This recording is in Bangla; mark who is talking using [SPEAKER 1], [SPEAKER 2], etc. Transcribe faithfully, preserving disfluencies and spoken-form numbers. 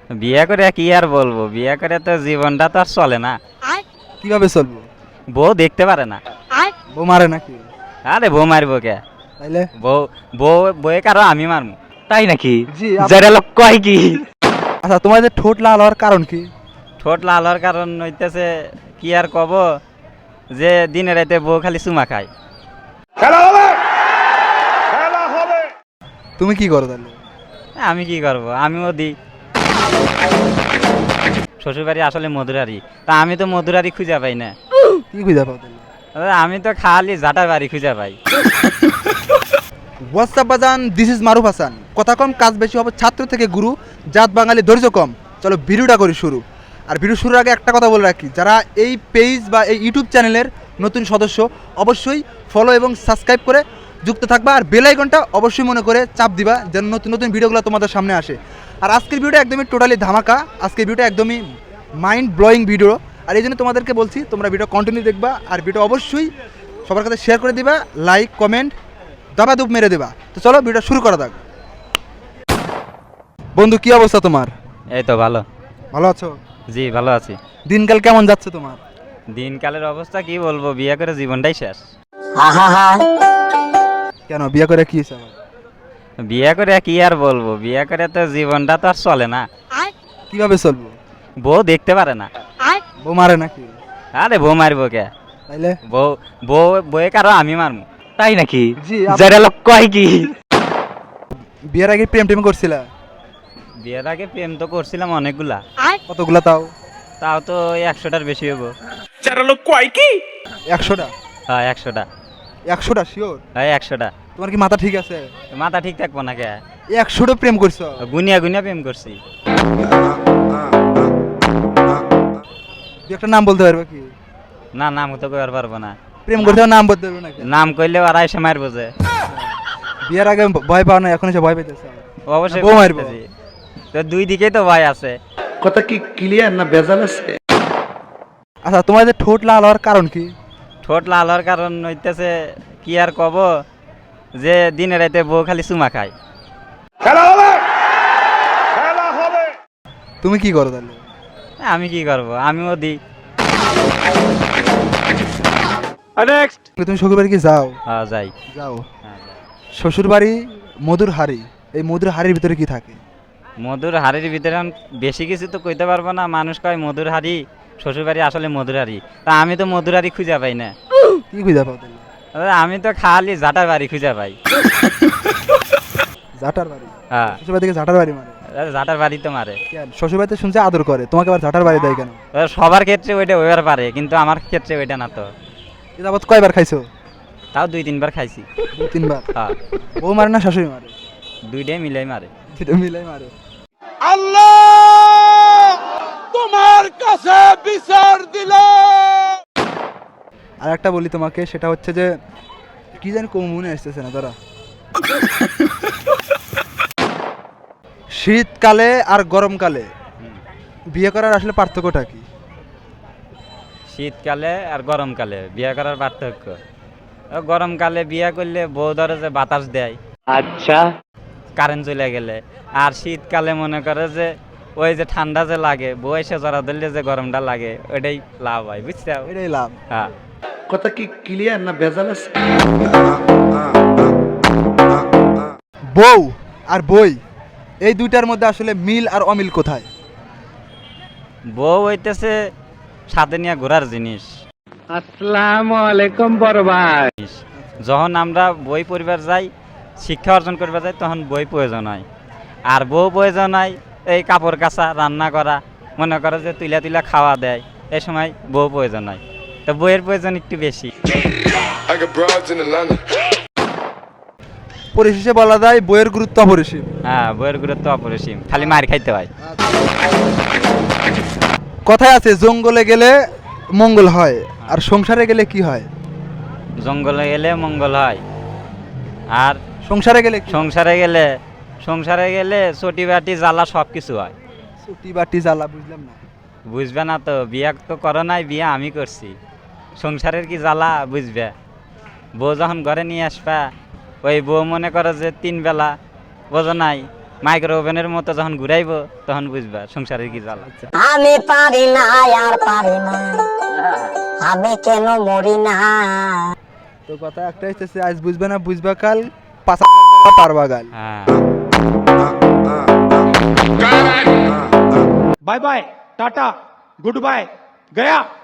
[SPEAKER 1] বিয়ে করে কি আর বলবো, বিয়ে করে তো জীবনটা তো আর চলে না।
[SPEAKER 2] কিভাবে চলবো?
[SPEAKER 1] বউ দেখতে পারে না।
[SPEAKER 2] বউ মারে নাকি?
[SPEAKER 1] আরে বউ মারবো কে?
[SPEAKER 2] তাইলে
[SPEAKER 1] বউ বউ বউয়ে কারো আমি মারবো।
[SPEAKER 3] তাই নাকি?
[SPEAKER 2] জি আপ-
[SPEAKER 3] যারা লোক কয় কি?
[SPEAKER 2] আচ্ছা, তোমাদের ঠোঁট লাল হওয়ার কারণ কি?
[SPEAKER 1] ঠোঁট লাল হওয়ার কারণ হইতেছে কি আর কব, যে দিনে রাতে বউ খালি চুমা খায়।
[SPEAKER 2] তুমি কি করো তাহলে?
[SPEAKER 1] আমি কি করব, আমিও দিই। শ্বশুরবাড়ি আসলে মধুরারি, তা আমি তো মধুরারি খুঁজে পাই না।
[SPEAKER 2] কি খুঁজে পাও তাহলে?
[SPEAKER 1] আরে আমি তো খালি জাটার বাড়ি খুঁজে পাই।
[SPEAKER 2] হোয়াটসঅ্যাপ বাজান, দিস ইজ মারুফ হাসান। কথা কম কাজ বেশি হবে, ছাত্র থেকে গুরু, জাত বাঙালি ধৈর্য কম। চলো ভিডিওটা করি শুরু। আর ভিডিও শুরুর আগে একটা কথা বলে রাখি, যারা এই পেজ বা এই ইউটিউব চ্যানেলের নতুন সদস্য অবশ্যই ফলো এবং সাবস্ক্রাইব করে যুক্ত থাকবা, আর বেল আইকনটা অবশ্যই মনে করে চাপ দিবা যেন নতুন নতুন ভিডিওগুলো তোমাদের সামনে আসে। আর আজকের ভিডিওটা একদমই টোটালি ধামাকা, আজকের ভিডিওটা একদমই মাইন্ড ব্লোয়িং ভিডিও। আর এই জন্য তোমাদেরকে বলছি তোমরা ভিডিও কন্টিনিউ দেখবা, আর ভিডিও অবশ্যই সবার কাছে শেয়ার করে দিবা, লাইক কমেন্ট দাবাদুব মেরে দেবা। তো চলো ভিডিও শুরু করা যাক। বন্ধু, কি অবস্থা তোমার?
[SPEAKER 1] এই তো ভালো।
[SPEAKER 2] ভালো আছো?
[SPEAKER 1] জি ভালো আছি।
[SPEAKER 2] দিনকাল কেমন যাচ্ছে তোমার?
[SPEAKER 1] দিনকালের অবস্থা কি বলবো, বিয়ে করে জীবনটাই শেষ।
[SPEAKER 2] কেন বিয়ে করে কি হয়েছে আবার?
[SPEAKER 1] বিয়ে করে কি আর বলবো, বিয়ে করে তো জীবনটা তো আর চলে না।
[SPEAKER 2] কিভাবে চলবো?
[SPEAKER 1] বউ দেখতে পারে না।
[SPEAKER 2] বউ মারে নাকি?
[SPEAKER 1] আরে বউ মারবো কে?
[SPEAKER 3] তাইলে
[SPEAKER 1] বউ বউ বউয়ে কারো আমি মারবো।
[SPEAKER 3] তাই নাকি?
[SPEAKER 2] জি আপ-
[SPEAKER 3] যারা লোক কয় কি?
[SPEAKER 2] বিয়ের আগে প্রেম টেম করছিলা?
[SPEAKER 1] বিয়ের আগে প্রেম তো করছিলাম অনেকগুলা।
[SPEAKER 2] কতগুলা তাও?
[SPEAKER 1] তাও তো ওই একশোটার বেশি হবো।
[SPEAKER 3] যারা লোক কয় কি?
[SPEAKER 2] একশোটা?
[SPEAKER 1] হ্যাঁ একশোটা।
[SPEAKER 2] একশোটা শিওর?
[SPEAKER 1] হ্যাঁ একশোটা।
[SPEAKER 2] তোমার কি মাথা ঠিক আছে?
[SPEAKER 1] মাথা ঠিক থাকবো না কে?
[SPEAKER 2] একশোটা প্রেম করছো?
[SPEAKER 1] গুনিয়া গুনিয়া প্রেম করছি।
[SPEAKER 2] দু একটা নাম বলতে পারবে কি?
[SPEAKER 1] না নাম তো কইবার পারবো না।
[SPEAKER 2] প্রেম করতে হলে নাম বলতে পারবে নাকি?
[SPEAKER 1] নাম কইলেও আড়াইশো মারবো যে।
[SPEAKER 2] বিয়ের আগে ভয় পাও না, এখন এসে ভয় পেতেছে?
[SPEAKER 1] অবশ্যই
[SPEAKER 2] বউ মারবো?
[SPEAKER 1] করতেছি। তো দুই দিকেই তো ভয় আছে।
[SPEAKER 4] কথা কি ক্লিয়ার না ভেজাল আছে?
[SPEAKER 2] আচ্ছা, তোমাদের ঠোঁট লাল হওয়ার কারণ কি?
[SPEAKER 1] ঠোঁট লাল হওয়ার কারণ হইতেছে কি আর কব, যে দিনে রাতে বউ খালি চুমা খায়।
[SPEAKER 2] তুমি কি করো তাহলে?
[SPEAKER 1] আমি কি করব, আমিও দিই।
[SPEAKER 3] নেক্সট।
[SPEAKER 2] তুমি শ্বশুর বাড়ি কি যাও?
[SPEAKER 1] হ্যাঁ যাই।
[SPEAKER 2] যাও।
[SPEAKER 1] হ্যাঁ, যাই।
[SPEAKER 2] শ্বশুর বাড়ি মধুর হাড়ি, এই মধুর হাড়ির ভিতরে কি থাকে?
[SPEAKER 1] মধুর হাড়ির ভিতরে এখন বেশি কিছু তো কইতে পারবো না, মানুষ কয় মধুর হাড়ি, শ্বশুর বাড়ি আসলে মধুর হাড়ি, তা আমি তো মধুর হাড়ি খুঁজে পাই না।
[SPEAKER 2] কি খুঁজে পাও তাহলে?
[SPEAKER 1] আরে আমি তো খালি জাটার বাড়ি খুঁজে পাই।
[SPEAKER 2] জাটার বাড়ি?
[SPEAKER 1] হ্যাঁ
[SPEAKER 2] শ্বশুর বাড়ি থেকে জাটার বাড়ি মারে?
[SPEAKER 1] আরে জাটার বাড়ি তো মারে।
[SPEAKER 2] কেন শ্বশুর বাড়িতে শুনছে আদর করে, তোমাকে আবার জাটার বাড়ি দেয় কেন?
[SPEAKER 1] এবার সবার ক্ষেত্রে ওইটা ওইবার পারে, কিন্তু আমার ক্ষেত্রে ওইটা না তো।
[SPEAKER 2] এ যাবৎ কয়বার খাইছো?
[SPEAKER 1] তাও দুই তিনবার খাইছি।
[SPEAKER 2] দু তিনবার?
[SPEAKER 1] হ্যাঁ
[SPEAKER 2] বউ মারে না শাশুড়ি মারে?
[SPEAKER 1] দুইটাই মিলাই মারে।
[SPEAKER 2] দুটো মিলাই মারে। আর একটা বলি তোমাকে, সেটা হচ্ছে যে কি জানি কোন মনে আসতেছে না তারা। শীতকালে আর গরমকালে বিয়ে করার আসলে পার্থক্যটা কি?
[SPEAKER 1] শীতকালে আর গরমকালে বিয়ে করার পার্থক্য, ও গরমকালে বিয়ে করলে বউ ধরে যে বাতাস দেয়
[SPEAKER 3] আচ্ছা।
[SPEAKER 1] কারেন্ট চলে গেলে, আর শীতকালে মনে করে যে ওই যে ঠান্ডা যে লাগে, বউ এসে জড়া ধরলে যে গরমটা লাগে, ওইটাই লাভ হয়, বুঝতে হবে।
[SPEAKER 2] এটাই লাভ।
[SPEAKER 1] হ্যাঁ
[SPEAKER 4] কথা কি ক্লিয়ার না ভেজাল আছে?
[SPEAKER 2] বউ আর বই, এই দুইটার মধ্যে আসলে মিল আর অমিল কোথায়?
[SPEAKER 1] বউ হইতেছে সাথে নিয়ে ঘোরার জিনিস।
[SPEAKER 3] আসসালামু আলাইকুম বড় ভাই।
[SPEAKER 1] যখন আমরা বই পড়বার যাই, শিক্ষা অর্জন করবার যাই, তখন বই প্রয়োজন হয়। আর বউ প্রয়োজন হয় এই কাপড় কাচা, রান্না করা, মনে করো যে তুলা তুলা খাওয়া দেয়, এই সময় বউ প্রয়োজন হয়। তো বইয়ের প্রয়োজন একটু বেশি।
[SPEAKER 5] I got broads in Atlanta.
[SPEAKER 2] পরিশেষে বলা যায় বইয়ের গুরুত্ব অপরিসীম।
[SPEAKER 1] হ্যাঁ বইয়ের গুরুত্ব অপরিসীম, খালি মার খাইতে হয়।
[SPEAKER 2] কথায় আছে জঙ্গলে গেলে মঙ্গল হয়, আর সংসারে গেলে কি হয়?
[SPEAKER 1] জঙ্গলে গেলে মঙ্গল হয়, আর
[SPEAKER 2] সংসারে গেলে কি?
[SPEAKER 1] সংসারে গেলে সংসারে গেলে চটি বাটি জ্বালা সব কিছু হয়।
[SPEAKER 2] ছুটি বাটি জ্বালা বুঝলাম না।
[SPEAKER 1] বুঝবে না তো, বিয়া তো করো নাই, বিয়া আমি করছি। সংসারের কি জ্বালা বুঝবে। বউ যখন ঘরে নিয়ে আসবা, ওই বউ মনে করো যে তিন বেলা বোঝো নাই, মাইক্রো ওভেনের মতো যখন ঘুরাইবো তখন বুঝবা সংসারের কি জ্বালা।
[SPEAKER 6] আমি পারি না আর পারি না, আমি কেন মরি না।
[SPEAKER 2] তো কথা একটাই হচ্ছে, আজ বুঝবে না বুঝবা কাল, পাঁচা পারবা গাল।
[SPEAKER 1] হ্যাঁ
[SPEAKER 3] bye bye tata goodbye गया